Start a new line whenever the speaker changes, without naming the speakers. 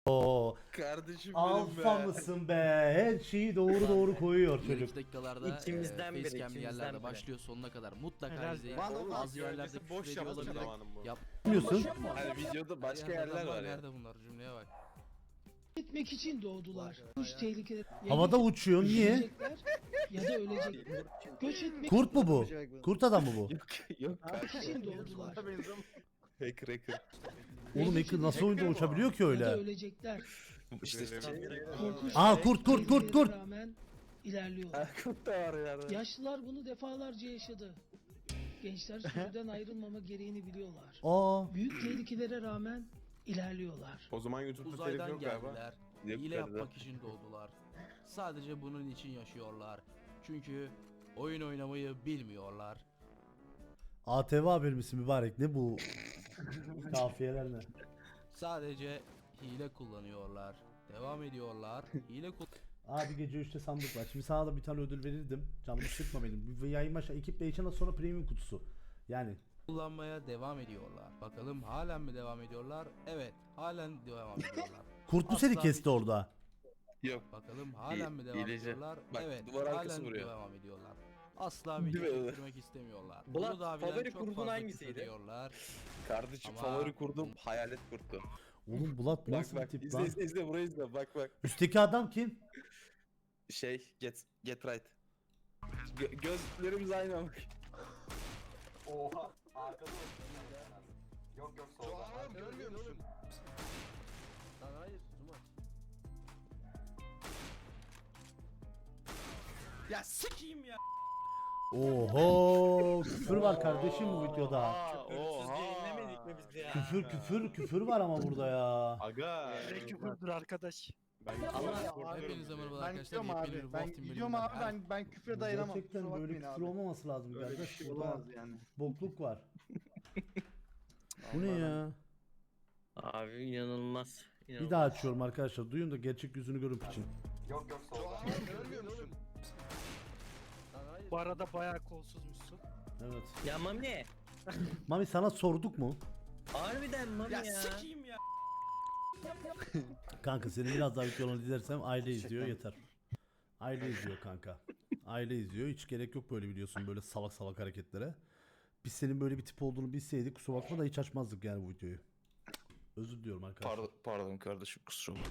Oo,
Kardeşim benim
alfa
be.
mısın be? Her şeyi doğru koyuyor çocuk.
İlk dakikalarda
İçimizden biri,
facecam'li
içimizden
yerlerde
biri.
başlıyor sonuna kadar mutlaka
Helal
izleyin.
be.
Bana
Bazı
bak,
yerlerde
öylesi boş
küfür ediyor
yaptı
olabilir.
zamanım bu.
Yapmıyorsun.
Hani videoda başka
Her yerde
yerler
adam
var ya.
Nerede bunlar cümleye bak.
Gitmek için doğdular. Üç tehlike.
Havada uçuyor. Niye?
Yaşayacaklar ya da ölecekler. Göç etmek
Kurt mu bu? Kurt adam mı bu?
Yok
için doğdular.
hacker.
Oğlum Ekil nasıl oyunda uçabiliyor ki
Ya da
öyle?
ölecekler.
İşte
Korkunç
Aa,
ve
kurt.
tehlikelere rağmen ilerliyorlar.
Kurt da var yani.
Yaşlılar bunu defalarca yaşadı. Gençler sürüden ayrılmama gereğini biliyorlar.
Aa,
Büyük tehlikelere rağmen ilerliyorlar.
O zaman YouTube'da telif
Uzaydan
yok galiba.
geldiler.
Yok
Hile
galiba.
yapmak için doğdular. Sadece bunun için yaşıyorlar. Çünkü oyun oynamayı bilmiyorlar.
ATV haber misin mübarek? Ne bu? Kafiyeler ne?
Sadece hile kullanıyorlar. Devam ediyorlar. Hile
Abi gece 3'te sandık var. Şimdi sana da bir tane ödül verirdim. Canımı sıkma benim. Bir yayın başa ekip yayından sonra premium kutusu. Yani
kullanmaya devam ediyorlar. Bakalım halen mi devam ediyorlar? Evet, halen devam ediyorlar.
kurt mu seni
Asla
kesti
bir-
orada?
Yok.
Bakalım halen mi devam
hileci.
ediyorlar?
Bak,
Evet,
duvar arkası
halen
vuruyor.
devam ediyorlar. Asla video
Değil mi?
çektirmek istemiyorlar.
Bulat,
Bunu daha bilen
favori
çok
kurdun
fazla
hangisiydi?
küfür ediyorlar.
Kardeşim
Ama-
favori kurdum hayalet kurttu.
Oğlum Bulat bu
Bak
nasıl bir
bak
tip
izle
lan?
izle burayı izle bak.
Üstteki adam kim?
Get right. Gözlerimiz aynı ama.
Oha. Arkada Yok solda.
Görmüyor musun?
Lan hayır, Zuma.
Ya sikeyim ya.
Oho, küfür var kardeşim bu videoda.
Küfürsüz yayınlamadık mı biz ya?
Küfür var ama burada ya.
Aga.
Ne küfürdür arkadaş.
Hepinize merhaba
Ben
arkadaşlar.
gidiyorum
Yepyeni bir
abi. Ben
Wolf Team
gidiyorum
bölümünden
abi. Ben küfre dayanamam.
Gerçekten
Kusura
böyle
bakmayın
küfür
abi.
olmaması lazım
Böyle bir
kardeş.
şey
Burada
olamaz yani.
bokluk var. Bu ne ya?
Abi inanılmaz.
Bir daha açıyorum arkadaşlar. Duyun da gerçek yüzünü görün piçin.
Yok solda.
Görmüyor musun?
Bu arada bayağı kolsuzmuşsun.
Evet.
Ya Mami.
Mami sana sorduk mu?
Harbiden Mami ya.
Sikeyim ya.
Kanka senin biraz daha videolarını izlersem aile izliyor yeter. Aile izliyor kanka. Aile izliyor. Hiç gerek yok böyle biliyorsun böyle salak salak hareketlere. Biz senin böyle bir tip olduğunu bilseydik kusura bakma da hiç açmazdık yani bu videoyu. Özür diliyorum arkadaşlar.
Pardon kardeşim kusura bakma.